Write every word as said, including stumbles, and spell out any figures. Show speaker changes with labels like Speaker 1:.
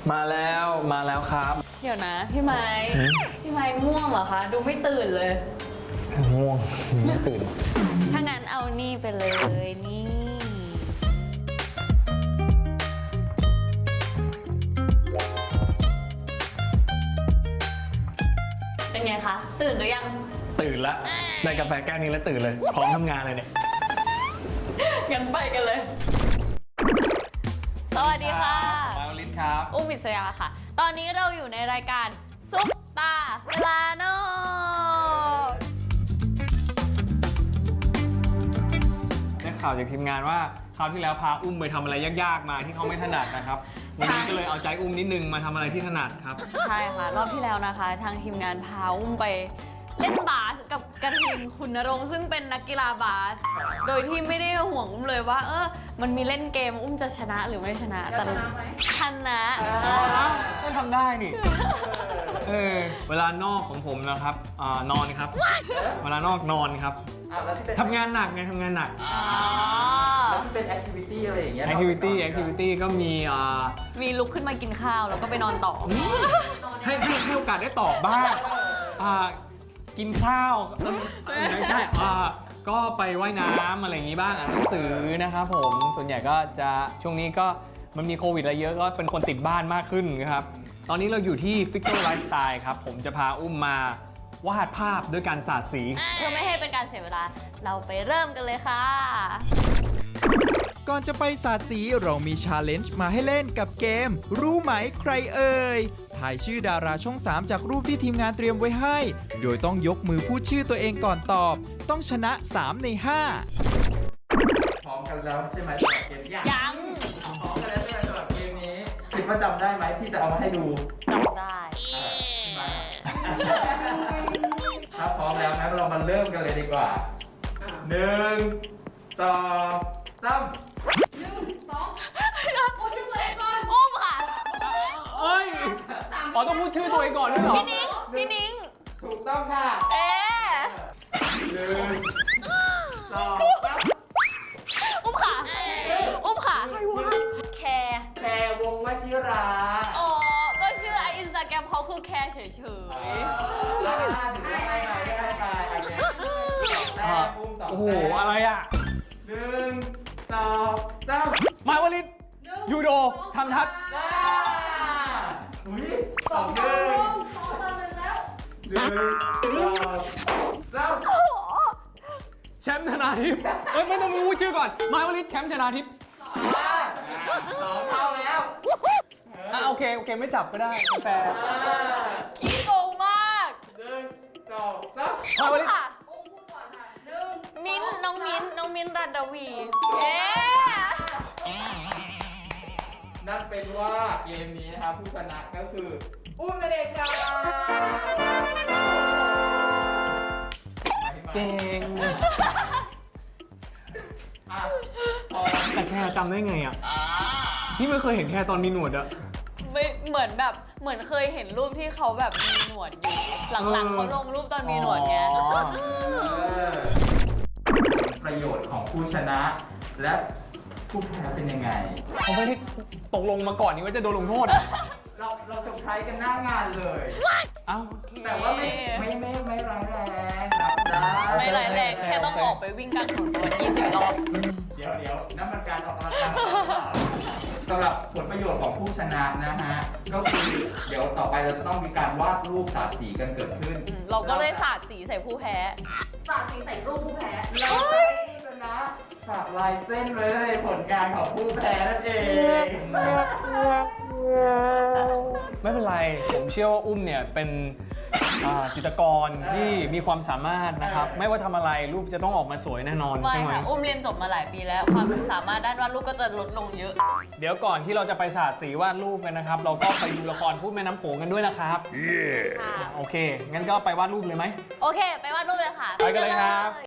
Speaker 1: มาแล้วมาแล้วครับ
Speaker 2: เดี๋ยวนะพี่ไม้พี่ไม้ง่วงเหรอคะดูไม่ตื่นเลย
Speaker 1: ง่วงไม่ตื่น
Speaker 2: ถ้างั้นเอานี่ไปเลยนี่เป็นไงคะตื่นหรือยัง
Speaker 1: ตื่นละได้กาแฟแก้วนี้แล้วตื่นเลยพร้อมทำงานเลยเนี่ย
Speaker 2: งั้นไปกันเลยสวัสดีค่ะ
Speaker 1: มาลินครับ
Speaker 2: อุ้มวิศยาค่ะตอนนี้เราอยู่ในรายการซุปตาเวลานอก
Speaker 1: ได้ข่าวจากทีมงานว่าคราวที่แล้วพาอุ้มไปทำอะไรยากๆมาที่เขาไม่ถนัดนะครับวันนี้ก็เลยเอาใจอุ้มนิดนึงมาทำอะไรที่ถนัดครับ
Speaker 2: ใช่ค่ะรอบที่แล้วนะคะทางทีมงานพาอุ้มไปเล่นบาสกับกระทิงคุณณรงค์ซึ่งเป็นนักกีฬาบาสโดยที่ไม่ได้ห่วงอุ้มเลยว่าเออมันมีเล่นเกมอุ้มจะชนะหรือไม่ชนะแต่ชนะ
Speaker 1: ก็ทำได้นี่เออเวลานอกของผมนะครับอ่านอนครับเวลานอกนอนครับทำงานหนักไงทำงานหนัก
Speaker 3: แล้วที่เป็นแอคทิวิตี้อะไรอย่างเงี้ย
Speaker 1: แอคทิวิตี้แอคทิวิตี้ก็มีอ่า
Speaker 2: มีลุกขึ้นมากินข้าวแล้วก็ไปนอนต่อ
Speaker 1: ให้ให้ให้โอกาสได้ตอบบ้างอ่ากินข้าวไม่ใช่อ่าก็ไปว่ายน้ำอะไรอย่างงี้บ้างอ่านหนังสือนะครับผมส่วนใหญ่ก็จะช่วงนี้ก็มันมีโควิดอะไรเยอะก็เป็นคนติดบ้านมากขึ้นนะครับตอนนี้เราอยู่ที่ Figure Lifestyle ครับผมจะพาอุ้มมาวาดภาพด้วยการสาดสี
Speaker 2: เพื่อไม่ให้เป็นการเสียเวลาเราไปเริ่มกันเลยค่ะ
Speaker 4: ก่อนจะไปสาดสีเรามีชาเลนจ์มาให้เล่นกับเกมรู้ไหมใครเอ่ยถ่ายชื่อดาราช่องสามจากรูปที่ทีมงานเตรียมไว้ให้โดยต้องยกมือพูดชื่อตัวเองก่อนตอบต้องชนะสามในห้า
Speaker 3: พร้อมกันแล้วใช่ไหมสำหรับเกม
Speaker 2: ยัง
Speaker 3: พร้อมกันแล้วใช่ไหมสำหรับเกมนี้คิดว่าจำได้ไหมที่จะเอามาให้ดู
Speaker 2: จำได้
Speaker 3: ถ้าพร้อมแล้วนะเรามาเริ่มกันเลยดีกว่าหนึ่งสองสาม
Speaker 5: หนึ่งสองพูดชื่อตัวเองก่อน
Speaker 2: อุ้มค่ะ
Speaker 1: เอ้ยอ๋อต้องพูดชื่อตัวเองก่อนด้วยเหรอ
Speaker 2: พี่นิ้งพี่นิ้ง
Speaker 3: ถูกต้องค่ะ
Speaker 2: เอ๊ะ
Speaker 3: หนึ่งสองสาม
Speaker 2: อุ้มค่ะอุ้มค่ะแคร์
Speaker 3: แพรวงวชิรา
Speaker 2: อ๋อก็ชื่อไออินสตาแกรมเขาคือแคร์เฉยๆ
Speaker 1: โอ้โหอะไรอ่ะ
Speaker 3: หนึ่งสองสาม
Speaker 1: มาวลินยูโดทำทัศน์
Speaker 3: สองหนึ่ง
Speaker 5: สองต่อหนึ่งแล้ว
Speaker 3: หนึ่งสองสาม
Speaker 1: แชมป์ชนาทิพย์เอ้ยไม่ต้องพูดชื่อก่อนมาวลินแชมป์ชนาทิพย์
Speaker 3: สองเท่าแล้ว
Speaker 1: อ่ะโอเคโอเคไม่จับก็ได้แฟร์
Speaker 2: ขี้โกงมาก
Speaker 3: หนึ่งสองสาม
Speaker 1: มาวลิน
Speaker 5: อุ้มพูดก่อนค่ะหนึ่ง
Speaker 2: มิ้นน้องมิ้นน้องมิ้นรัตวีเอ๊
Speaker 3: นั่นเป็นว่าเกมนี้นะครับผู้ชนะก็คืออุ้มนั่นเองครับ
Speaker 1: เก่งแต่แค่จำได้ไงอ่ะพี่ไม่เคยเห็นแค่ตอนมีหนวดอะ
Speaker 2: ไม่เหมือนแบบเหมือนเคยเห็นรูปที่เขาแบบมีหนวดอยู่หลังๆเขาลงรูปตอนมีหนวดไง
Speaker 3: ประโยชน์ของผู้ชนะและผู้แพ้เป็นยังไง
Speaker 1: เขาไม่ได้ตกลงมาก่อนนี่ว่าจะโดนลงโทษ
Speaker 3: เราเราเซอร์ไพรส์กันหน้างานเลย
Speaker 1: เอ้า
Speaker 3: แต่ว่าไม่ไม่ไม่ไม่ร้ายแรงครับได้
Speaker 2: ไม่ร้ายแรงแค่ต้องออกไปวิ่งกลางถนนประมาณยี่สิบรอบ
Speaker 3: เดี๋ยวเดี๋ยวนั่นมันการออกกำลังกายสำหรับผลประโยชน์ของผู้ชนะนะฮะก็คือเดี๋ยวต่อไปเราจะต้องมีการวาดรูปสาดสีกันเกิดขึ้น
Speaker 2: เราก็เลยสาดสีใส่ผู้แพ้
Speaker 5: สาดสีใส่รูปผู้แพ้
Speaker 3: เราจะให้ผู้ชนะฝากลายเส้นไว้ในผลงานของผู้แพ้นั่นเอง
Speaker 1: ไม่เป็นไรผมเชื่อว่าอุ้มเนี่ยเป็นจิตรกรที่มีความสามารถนะครับไม่ว่าทำอะไรรูปจะต้องออกมาสวยแน่นอนใช่ไหม
Speaker 2: อุ้มเรียนจบมาหลายปีแล้วความสามารถด้านวาดรูปก็จะลดลงเยอะ
Speaker 1: เดี๋ยวก่อนที่เราจะไปสาดสีวาดรูปกันนะครับเราก็ไปดูละครพูดแม่น้ำโขงกันด้วยนะครับค่ะโอเคงั้นก็ไปวาดรูปเลยไหม
Speaker 2: โอเคไปวาดรูปเลยค่ะ
Speaker 1: ไปกันเลยครับ